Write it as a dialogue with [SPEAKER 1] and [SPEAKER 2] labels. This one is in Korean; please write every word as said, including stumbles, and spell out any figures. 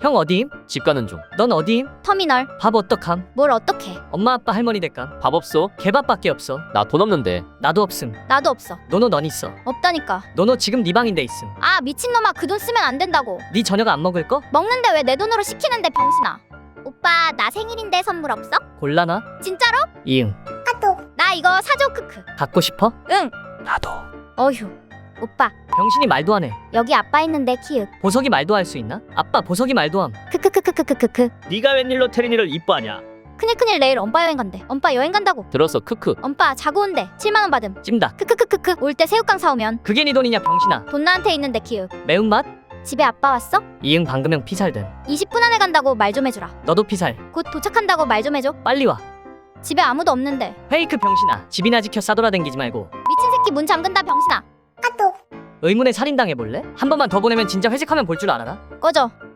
[SPEAKER 1] 형 어디임?
[SPEAKER 2] 집 가는 중.
[SPEAKER 1] 넌 어디임?
[SPEAKER 3] 터미널.
[SPEAKER 1] 밥 어떡함?
[SPEAKER 3] 뭘 어떡해.
[SPEAKER 1] 엄마 아빠 할머니 댁감?
[SPEAKER 2] 밥 없어?
[SPEAKER 1] 개밥밖에 없어.
[SPEAKER 2] 나 돈 없는데.
[SPEAKER 1] 나도 없음.
[SPEAKER 3] 나도 없어.
[SPEAKER 1] 노노 넌 있어.
[SPEAKER 3] 없다니까.
[SPEAKER 1] 노노 지금 네 방인데 있음.
[SPEAKER 3] 아 미친놈아, 그 돈 쓰면 안 된다고.
[SPEAKER 1] 네 저녁 안 먹을 거?
[SPEAKER 3] 먹는데 왜 내 돈으로 시키는데, 병신아. 오빠 나 생일인데 선물 없어?
[SPEAKER 1] 곤란하?
[SPEAKER 3] 진짜로?
[SPEAKER 1] 이응.
[SPEAKER 3] 나 이거 사줘. 크크.
[SPEAKER 1] 갖고 싶어?
[SPEAKER 3] 응.
[SPEAKER 1] 나도.
[SPEAKER 3] 어휴. 오빠
[SPEAKER 1] 병신이 말도 안 해.
[SPEAKER 3] 여기 아빠 있는데 키읔.
[SPEAKER 1] 보석이 말도 할 수 있나? 아빠 보석이 말도 함.
[SPEAKER 3] 크크크크크크크크.
[SPEAKER 4] 네가 웬일로 태린이를 이뻐하냐?
[SPEAKER 3] 큰일 큰일, 내일 엄빠 여행 간대. 엄빠 여행 간다고.
[SPEAKER 2] 들었어. 크크.
[SPEAKER 3] 엄빠 자고 온대. 칠만 원 받음.
[SPEAKER 1] 찜닭.
[SPEAKER 3] 크크크크크. 올 때 새우깡 사오면.
[SPEAKER 1] 그게 네 돈이냐 병신아.
[SPEAKER 3] 돈 나한테 있는데 키읔.
[SPEAKER 1] 매운맛?
[SPEAKER 3] 집에 아빠 왔어?
[SPEAKER 1] 이응 방금 형 피살됨.
[SPEAKER 3] 이십 분 안에 간다고 말 좀 해주라.
[SPEAKER 1] 너도 피살.
[SPEAKER 3] 곧 도착한다고 말 좀 해줘.
[SPEAKER 1] 빨리 와.
[SPEAKER 3] 집에 아무도 없는데.
[SPEAKER 1] 페이크 병신아. 집이나 지켜 싸돌아댕기지 말고.
[SPEAKER 3] 미친 새끼 문 잠근다, 병신아.
[SPEAKER 1] 의문에 살인당해볼래? 한 번만 더 보내면 진짜 회식하면 볼 줄 알아라.
[SPEAKER 3] 꺼져.